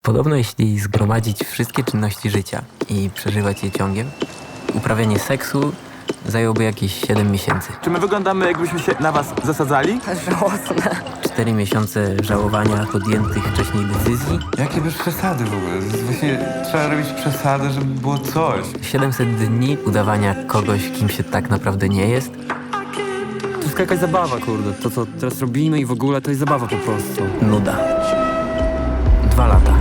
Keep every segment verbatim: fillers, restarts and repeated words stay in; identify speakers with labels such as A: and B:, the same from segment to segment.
A: Podobno jeśli zgromadzić wszystkie czynności życia i przeżywać je ciągiem, uprawianie seksu zajęłoby jakieś siedem miesięcy.
B: Czy my wyglądamy, jakbyśmy się na was zasadzali?
C: Żałosne.
A: cztery miesiące żałowania podjętych wcześniej decyzji,
D: Jakie bez przesady w ogóle? Właśnie trzeba robić przesady, żeby było coś.
A: siedemset dni udawania kogoś, kim się tak naprawdę nie jest,
E: To jest jakaś zabawa, kurde. To, co teraz robimy i w ogóle, to jest zabawa po prostu.
A: nuda. Dwa lata.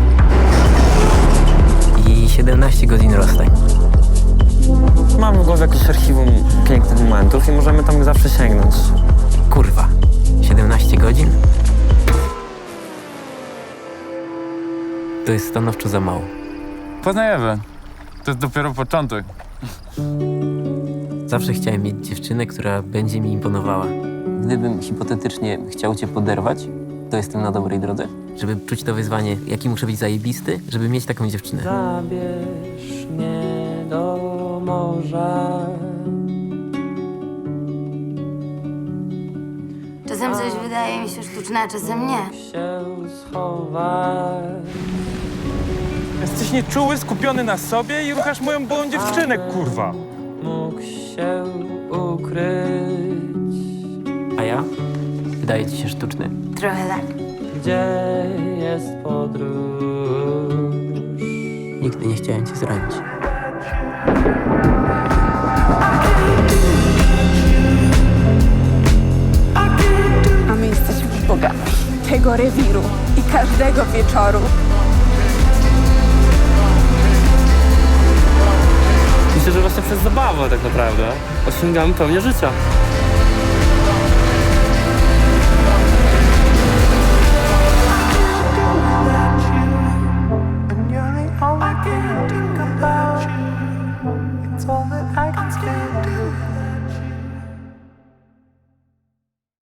A: I siedemnaście godzin rozstań.
E: Mam w głowie jakieś archiwum pięknych momentów i możemy tam zawsze sięgnąć.
A: Kurwa. siedemnaście godzin? To jest stanowczo za mało.
D: Poznajemy. To jest dopiero początek.
A: Zawsze chciałem mieć dziewczynę, która będzie mi imponowała. Gdybym hipotetycznie chciał cię poderwać, to jestem na dobrej drodze. Żeby czuć to wyzwanie, jaki muszę być zajebisty, żeby mieć taką dziewczynę.
F: Zabierz mnie do morza.
C: Czasem coś wydaje mi się sztuczne, a czasem nie.
F: Się schować.
G: Jesteś nieczuły, skupiony na sobie i ruchasz moją byłą dziewczynę, kurwa.
F: Mógł się ukryć.
A: A ja? Wydaje ci się sztuczny?
C: Trochę tak.
F: Gdzie jest podróż?
A: Nigdy nie chciałem cię zranić.
H: A my jesteśmy bogami tego rewiru i każdego wieczoru.
E: Myślę, że właśnie przez zabawę tak naprawdę osiągamy pełnię życia.
I: And you're the only thing about. It's all that